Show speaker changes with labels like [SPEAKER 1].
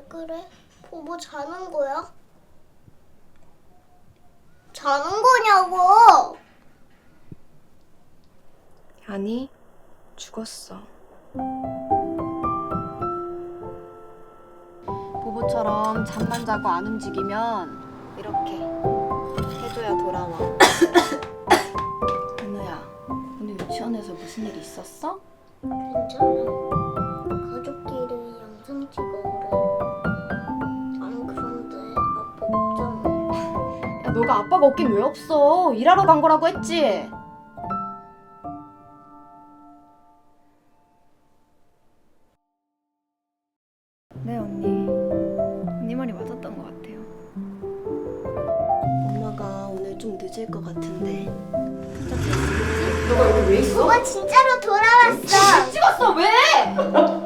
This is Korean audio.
[SPEAKER 1] 왜 그래? 보보 자는 거야? 자는 거냐고!
[SPEAKER 2] 아니, 죽었어.
[SPEAKER 3] 보보처럼 잠만 자고 안 움직이면 이렇게 해줘야 돌아와. 은우야, 오늘 유치원에서 무슨 일 있었어?
[SPEAKER 1] 괜찮아. 가족끼리 영상 찍어 그래. 안 그런데 아빠 없잖아.
[SPEAKER 3] 야, 너가 아빠가 없긴 왜 없어? 일하러 간 거라고 했지?
[SPEAKER 2] 네, 언니 말이 맞았던 것 같아요.
[SPEAKER 3] 엄마가 오늘 좀 늦을 것 같은데. 너가 여기 왜 있어?
[SPEAKER 1] 보보 진짜로 돌아왔어.
[SPEAKER 3] 찍었어, 왜?